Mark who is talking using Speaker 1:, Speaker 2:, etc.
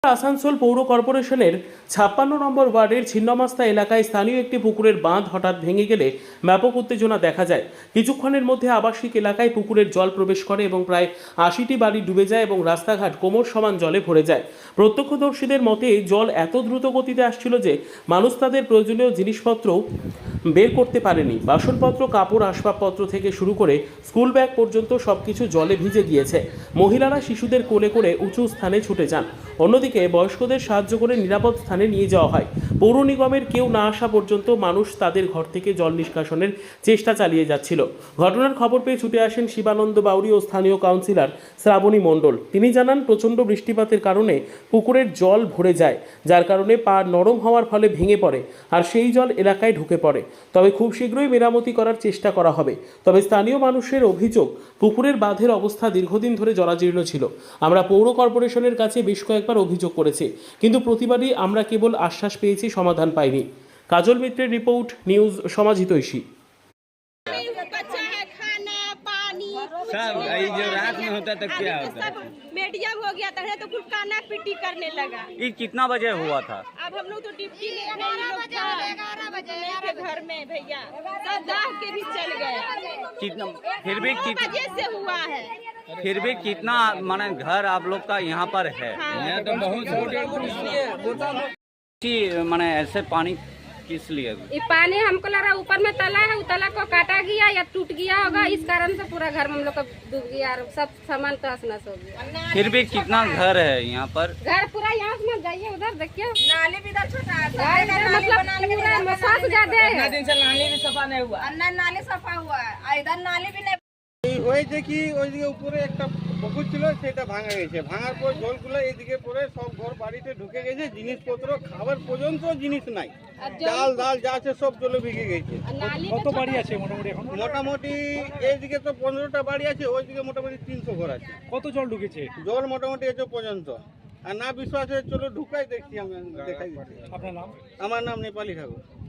Speaker 1: আসানসোল পৌর কর্পোরেশনের 56 নম্বর ওয়ার্ডের ছিন্নমাস্তা এলাকায় স্থানীয় একটি পুকুরের বাঁধ হঠাৎ ভেঙে গেলে ব্যাপক উত্তেজনা দেখা যায়। কিছুক্ষণের মধ্যে আবাসিক এলাকায় পুকুরের জল প্রবেশ করে এবং প্রায় 80টি বাড়ি ডুবে যায় এবং রাস্তাঘাট কোমর সমান জলে ভরে যায়। প্রত্যক্ষদর্শীদের মতে জল এত দ্রুত গতিতে আসছিল যে মানুষ তাদের প্রয়োজনীয় জিনিসপত্র বের করতে পারেনি। বাসনপত্র, কাপড়, আসবাবপত্র থেকে শুরু করে স্কুল ব্যাগ পর্যন্ত সবকিছু জলে ভিজে গিয়েছে। মহিলারা শিশুদের কোলে করে উঁচু স্থানে ছুটে যান। অন্যদিকে বয়স্কদের সাহায্য করে নিরাপদ স্থানে নিয়ে যাওয়া হয়। পৌর নিগমের কেউ না আসা পর্যন্ত মানুষ তাদের ঘর থেকে জল নিষ্কাশনের চেষ্টা চালিয়ে যাচ্ছিল। ঘটনার খবর পেয়ে ছুটে আসেন শিবানন্দ বাউরি ও স্থানীয় কাউন্সিলর শ্রাবণী মণ্ডল। তিনি জানান, প্রচণ্ড বৃষ্টিপাতের কারণে পুকুরের জল ভরে যায়, যার কারণে পা নরম হওয়ার ফলে ভেঙে পড়ে আর সেই জল এলাকায় ঢুকে পড়ে। তবে খুব শীঘ্রই মেরামতি করার চেষ্টা করা হবে। তবে স্থানীয় মানুষের অভিযোগ, পুকুরের বাঁধের অবস্থা দীর্ঘদিন ধরে জরাজীর্ণ ছিল। আমরা পৌর কর্পোরেশনের কাছে বেশ কয়েকবার অভিযোগ করেছি, কিন্তু প্রতিবারই আমরা কেবল আশ্বাস পেয়েছি, সমাধান পাইনি। কাজল মিত্রের রিপোর্ট, নিউজ সমাজিতৈষী।
Speaker 2: सब ये जो रात में होता था क्या होता है?
Speaker 3: मीडियम हो गया था तो कुल काना पिटी करने लगा।
Speaker 2: ये कितना बजे हुआ था?
Speaker 3: अब हम लोग तो डिप्टी में 11 बजे मेरे घर में भैया सब दाह के भी चल गए।
Speaker 2: कितना
Speaker 3: बजे से हुआ है।
Speaker 2: फिर भी कितना माने घर आप लोग का यहाँ पर है?
Speaker 3: यहाँ
Speaker 2: तो बहुत माने ऐसे पानी किस लिए?
Speaker 4: ये पानी हमको लग रहा है ऊपर में तला है, तला को काटा गया या टूट गया होगा, इस कारण से पूरा घर में हम लोग का डूब गया और सब सामान तहस नहस हो गया।
Speaker 2: फिर भी कितना घर है यहाँ पर?
Speaker 4: घर पूरा यहाँ से मत जाइए, उधर देखिए
Speaker 3: नाली भी इधर छोटा है,
Speaker 4: मतलब पूरा मसाज ज्यादा है।
Speaker 3: दिन से नाली भी सफा नहीं हुआ। नाली सफा हुआ है, इधर नाली भी नहीं।
Speaker 5: হয়েছে কি, ওইদিকে উপরে একটা পুকুর ছিল, সেটা ভাঙা গেছে। ভাঙার পর জলগুলো এইদিকে পরে সব ঘর বাড়িতে ঢুকে গেছে। জিনিসপত্র খাবার পর্যন্ত জিনিস নাই, চাল ডাল যা আছে সব জলে ভিজে গেছে।
Speaker 6: কত বাড়ি আছে মোটামুটি এখন?
Speaker 5: মোটামুটি এইদিকে তো 15টা বাড়ি আছে, ওইদিকে মোটামুটি 300 ঘর আছে।
Speaker 6: কত জল ঢুকেছে?
Speaker 5: জল মোটামুটি এসে পর্যন্ত। আর না বিশ্বাস হয় চলো ঢুকাই দেখছি, আমি দেখাই দিচ্ছি।
Speaker 6: আপনার নাম?
Speaker 5: আমার নাম নেপালি ঠাকুর।